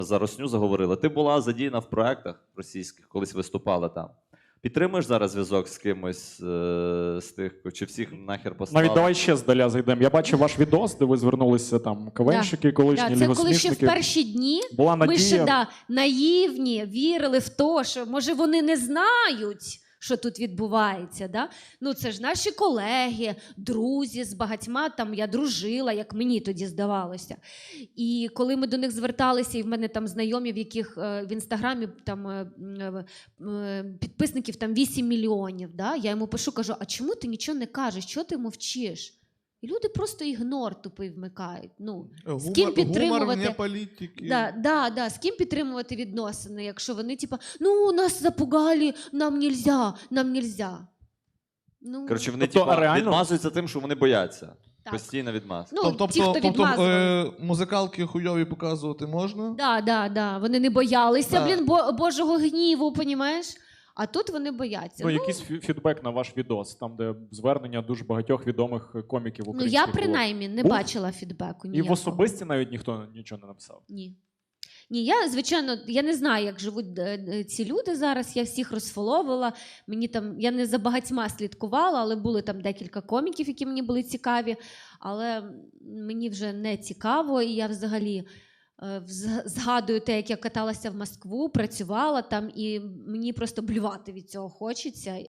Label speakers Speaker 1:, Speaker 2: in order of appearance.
Speaker 1: За Росню заговорили. Ти була задіяна в проектах російських, колись виступала там. Підтримуєш зараз зв'язок з кимось з тих, чи всіх нахер послали?
Speaker 2: Навіть давай ще здаля зайдемо. Я бачив ваш відос, де ви звернулися там КВНщики, колишні
Speaker 3: це коли ще в
Speaker 2: лігосмішники.
Speaker 3: перші дні
Speaker 2: Була
Speaker 3: ми
Speaker 2: надія.
Speaker 3: ще наївні, вірили в те, що може вони не знають, що тут відбувається. Да? Ну це ж наші колеги, друзі, з багатьма там я дружила, як мені тоді здавалося. І коли ми до них зверталися, і в мене там знайомі, в яких в інстаграмі там підписників там 8 мільйонів, да? Я йому пишу, кажу, а чому ти нічого не кажеш, чого ти мовчиш? І люди просто ігнор тупий вмикають. Ну, з ким підтримувати?
Speaker 4: Гумор вне політики.
Speaker 3: Да. З ким підтримувати відносини, якщо вони типа, ну, нас запугали, нам нельзя. Ну,
Speaker 1: Коротше, вони
Speaker 2: Тобто,
Speaker 1: типа,
Speaker 2: реально?
Speaker 1: відмазуються тим, що вони бояться.
Speaker 3: Так.
Speaker 1: Постійно відмаз.
Speaker 3: ну ті, хто відмазували.
Speaker 4: Музикалки хуйові показувати можна?
Speaker 3: Да. Вони не боялися,
Speaker 4: Да.
Speaker 3: блін, Божого гніву, понімаєш? А тут вони бояться.
Speaker 2: Ну, якийсь фідбек на ваш відос, там, де звернення дуже багатьох відомих коміків
Speaker 3: Ну,
Speaker 2: українських
Speaker 3: я
Speaker 2: було.
Speaker 3: принаймні не
Speaker 2: Був?
Speaker 3: бачила фідбеку
Speaker 2: І
Speaker 3: ніякого.
Speaker 2: в особисті навіть ніхто нічого не написав.
Speaker 3: Ні. Ні, я, звичайно, я не знаю, як живуть ці люди зараз, я всіх розфоловила, мені там, я не за багатьма слідкувала, але були там декілька коміків, які мені були цікаві, але мені вже не цікаво, і я взагалі згадую те, як я каталася в Москву, працювала там, і мені просто блювати від цього хочеться.